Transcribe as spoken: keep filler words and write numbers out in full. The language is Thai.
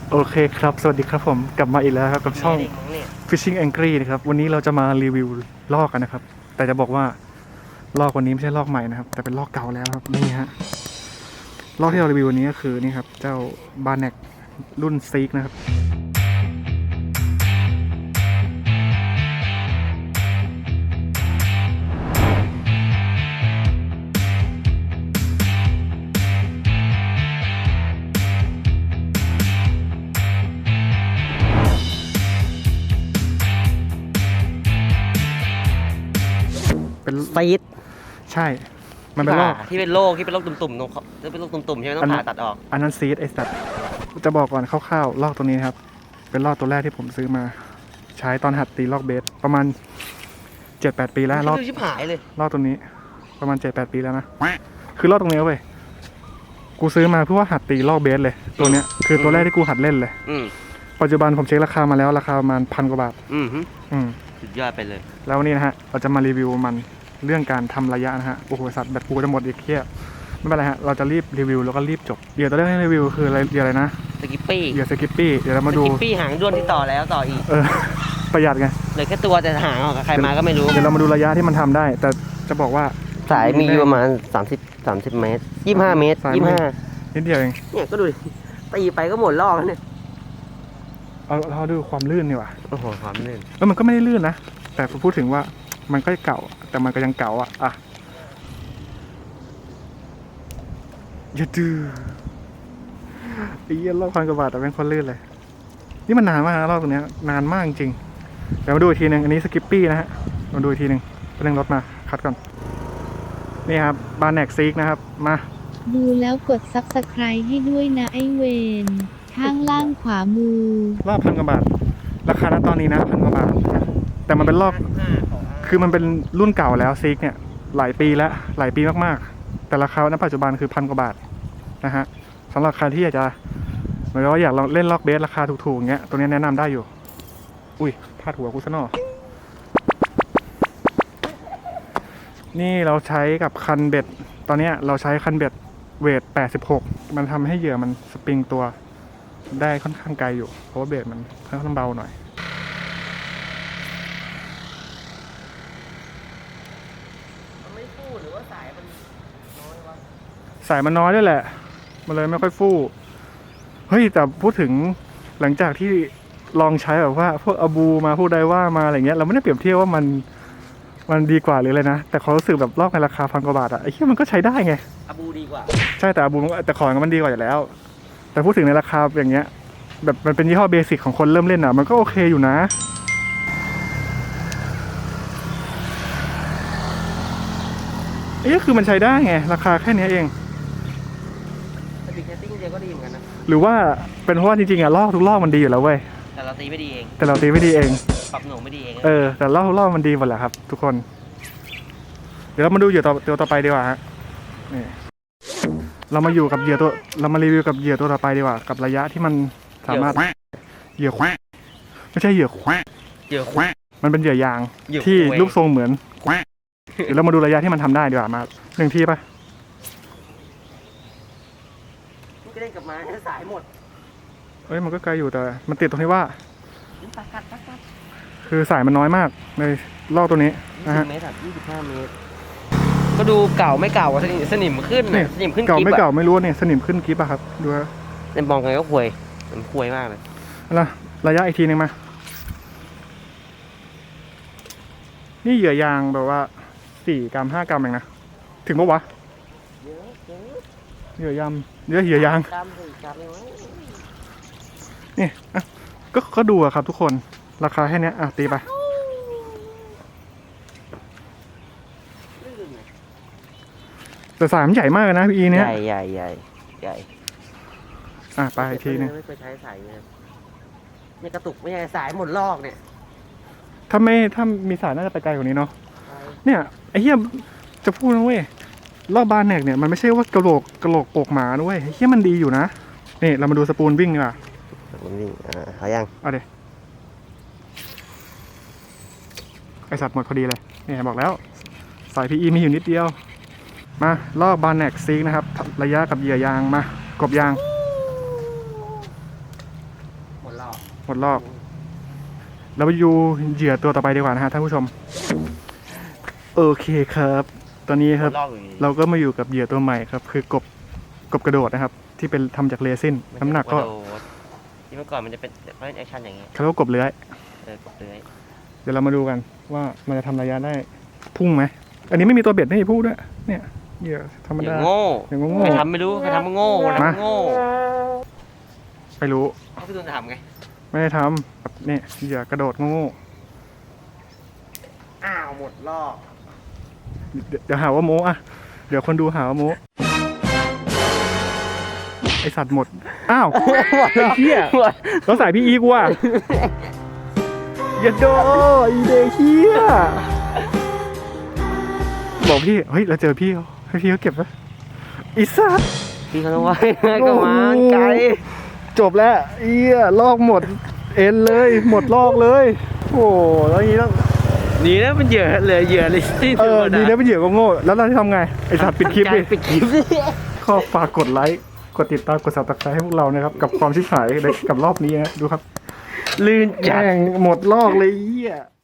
โอเคครับสวัสดีครับผมกลับมาอีกแล้วครับกับช่อง Fishing Angry นะครับวันนี้เราจะมารีวิวลอกกันนะครับแต่จะบอกว่าลอกวันนี้ไม่ใช่ลอกใหม่นะครับแต่เป็นลอกเก่าแล้วครับนี่ฮะลอกที่เรารีวิววันนี้ก็คือนี่ครับเจ้าบาร์เน็กรุ่นซีกนะครับเป็นซีดใช่มันเป็นลอกที่เป็นโรคที่เป็นโรคตุ่มๆตรงที่เป็นโรคตุ่มๆใช่ไหมต้องผ่าตัดออกอันนั้นซีดไอ้สัตว์จะบอกก่อนคร่าวๆลอกตัวนี้ครับเป็นลอกตัวแรกที่ผมซื้อมาใช้ตอนหัดตีลอกเบสประมาณเจ็ดแปดปีแล้วลอกชิบหายเลยลอกตัวนี้ประมาณเจ็ดแปดปีแล้วนะคือลอกตรงนี้เว้ยกูซื้อมาเพื่อว่าหัดตีลอกเบสเลยตัวเนี้ยคือตัวแรกที่กูหัดเล่นเลยปัจจุบันผมเช็คราคามาแล้วราคาประมาณพันกว่าบาทอืมอืมสุดยอดไปเลยแล้ววันนี้นะฮะเราจะมารีวิวมันเรื่องการทำระยะนะฮะโอ้โหสัตว์แบตกูจะหมดอีกเที่ยไม่เป็นไรฮะเราจะรีบรีวิวแล้วก็รีบจบเดี๋ยวตัวแรกให้รีวิวคืออะไรเดี๋ยวอะไรนะสกิปปี้เดี๋ยวสกิปปี้เดี๋ยวเรามาดูสกิปปี้หางด้วนที่ต่อแล้วต่ออีกเออประหยัดไงเหลือแค่ตัวแต่หางออกกับใครมาก็ไม่รู้เดี๋ยวเรามาดูระยะที่มันทำได้แต่จะบอกว่าสายมีอยู่ประมาณสามสิบ สามสิบเมตรยี่สิบห้าเมตรยี่สิบห้านิดเดียวเองเนี่ยก็ดูตีไปก็หมดรอบแล้วเนี่ยเอาเราดูความลื่นดีกว่าโอ้โหความลื่นแล้วมันก็ไม่ได้ลื่นนะแต่ผมพูดถึงว่ามันก็เก่าแต่มันก็ยังเก่าอ่ะอ่ะอย่าดื้อไอ้เหี้ยรอบพันกว่าบาทแต่เป็นคนลื่นเลยนี่มันนานมากนะรอบตรงนี้นานมากจริงเดี๋ยวมาดูอีกทีหนึ่งอันนี้สกิปปี้นะฮะมาดูอีกทีหนึ่งเร่งรถมาคัดก่อนนี่ครับบาร์เน็กซีกนะครับมาดูแล้วกดซับสไครบ์ให้ด้วยนะไอเวนข้างล่างขวามือรอบพันกว่าบาทราคาณตอนนี้นะพันกว่าบาทแต่มันเป็นรอบคือมันเป็นรุ่นเก่าแล้วซีกเนี่ยหลายปีแล้วหลายปีมากๆแต่ราคาณปัจจุบันคือพันกว่าบาทนะฮะสำหรับใครที่อยากจะหมายว่าอยากลองเล่นล็อกเบสราคาถูกๆเงี้ยตัวนี้แนะนำได้อยู่อุ้ยพลาดหัวกูซะหน่อนี่เราใช้กับคันเบ็ดตอนนี้เราใช้คันเบ็ดเวทแปดสิบหกมันทำให้เหยื่อมันสปริงตัวได้ค่อนข้างไกลอยู่เพราะว่าเบสมันค่อนข้างเบาหน่อยมันไม่ฟูหรือว่าสายมันน้อยวะสายมันน้อยด้วยแหละมันเลยไม่ค่อยฟูเฮ้ยแต่พูดถึงหลังจากที่ลองใช้แบบว่าพวกอบูมาพวกไดว่ามาอะไรเงี้ยเราไม่ได้เปรียบเทียบว่ามันมันดีกว่าหรืออะไรนะแต่เขารู้สึกแบบลอกในราคาพันกว่าบาทอะไอ้เหี้ยมันก็ใช้ได้ไงอบูดีกว่าใช่แต่อบูแต่ของมันดีกว่าอยู่แล้วแต่พูดถึงในราคาอย่างเงี้ยแบบมันเป็นยี่ห้อเบสิกของคนเริ่มเล่นอะมันก็โอเคอยู่นะเอ๊ะคือมันใช้ได้ไงราคาแค่นี้เองแต่บิ๊กแคสติ้งเดียวก็ดีเหมือนกันนะหรือว่าเป็นเพราะว่าจริงๆอะลอกทุกลอกมันดีอยู่แล้วเว้ยแต่เราตีไม่ดีเองแต่เราตีไม่ดีเองปรับหน่วงไม่ดีเองเออแต่ลอกทุกลอกมันดีหมดแหละครับทุกคนเดี๋ยวเรามาดูเหยื่อตัวตัวต่อไปดีกว่าฮะนี่เรามาอยู่กับเหยื่อตัวเรามารีวิวกับเหยื่อตัวต่อไปดีกว่ากับระยะที่มันสามารถเหยื่อแควไม่ใช่เหยื่อแควเหยื่อแควมันเป็นเหยื่อยางที่รูปทรงเหมือนแควเดี๋ยวเรามาดูระยะที่มันทำได้ดีกว่ามาหนึ่งทีป่ะก็ได้กลับมาสายหมดเอ้ยมันก็ไกลอยู่แต่มันติดตรงที่ว่าคือสายมันน้อยมากในลอกตัวนี้นะฮะเมตรยี่สิบห้าเมตรก็ดูเก่าไม่เก่าสนิมสนิมขึ้นสนิมขึ้นเก่าไม่เก่าไม่รู้เนี่ยสนิมขึ้นกิ๊บอะครับดูนะในมองไงก็ห่วยมันห่วยมากเลยแล้วระยะอีกทีนึงมานี่เหยื่อยางแบบว่าสี่กรัมห้ากรัมเองนะถึงปะวะเหยื่อยางเยอะเหยื่อยางนี่อ่ะก็ก็ดูอะครับทุกคนราคาแค่นี้อ่ะตีไปแต่สายมันใหญ่มากนะพี่อีเนี้ยใหญ่ใหญ่ใหญ่ใหญ่อ่ะไปอีกทีนึงไม่เคยใช้สายเนี่ยนี่กระตุกไม่ใช่สายหมดลอกเนี่ยถ้าไม่ถ้ามีสายน่าจะไปไกลกว่านี้เนาะเนี่ยไอ้เหี้ยจะพูดนะเว้ยรอบบานแนกเนี่ยมันไม่ใช่ว่ากระโหลกกระโหลกโปกหมาด้วยไอ้เหี้ยมันดีอยู่นะนี่เรามาดูสปูนวิ่งดีกว่าสปูนวิ่งอ่าเขายังเอาเดี๋ยวไอสัตว์หมดพอดีเลยนี่บอกแล้วสายพีอีมีอยู่นิดเดียวมาลอกบาร์เน็กซีกนะครับระยะกับเหยื่อยางมากบยางหมดลอกเราไปดูเหยื่อตัวต่อไปดีกว่านะฮะท่านผู้ชมโอเคครับ ตอนนี้ครับลอกอยู่ดีเราก็มาอยู่กับเหยื่อตัวใหม่ครับ คือกบกบกระโดดนะครับ ที่เป็นทำจากเรซินน้ำหนักก็โดดที่เมื่อก่อนมันจะเป็นเขาเล่นแอคชั่นอย่างเงี้ยเขาเรียกว่ากบเลื้อยเออกดเลยเดี๋ยวเรามาดูกันว่ามันจะทำระยะได้พุ่งไหมอันนี้ไม่มีตัวเบ็ดไม่มีพุ่งด้วยเนี่ยเหยื่อธรรมอย่าดาโง่อย่างโง่ใครทำไม่รู้ใครทำมันโง่ใครทำมันโง่ไปรู้เขาพี่ตูนจะทำไงไม่ได้ทำแบบเนี่ยเหยื่อกระโดดโง่อ้าวหมดรอบเดี๋ยวเดี๋ยวหาว่าโม้อะเดี๋ยวคนดูหาว่าโม้ไอสัตว์หมดอ้าวไอ้เหี้ยแล้วสายพี่อีกว่ะอย่าโดอีเดเฮียบอกพี่เฮ้ยเราเจอพี่เขาให้พี่เขาเก็บไว้อีสัตว์พี่เขาต้องว่าก็มาไกลจบแล้วเอี้ยลอกหมดเอ็นเลย หมดลอกเลย โอ้แล้วอย่างนี้ต้องดีนะมันเหยื่อเหลือเหยื่อเลยที่เออดีนะเป็นเหยื่อก็โง่แล้วเราจะทำไงไอสัตว์ปิดคลิปดิปิดคลิปดิขอฝากกดไลค์กดติดตามกดซับสไครต์ให้พวกเรานะครับ กับความชิบหายในกับรอบนี้นะดูครับลื่นจัดแม่งหมดลอกเลยเอี้ย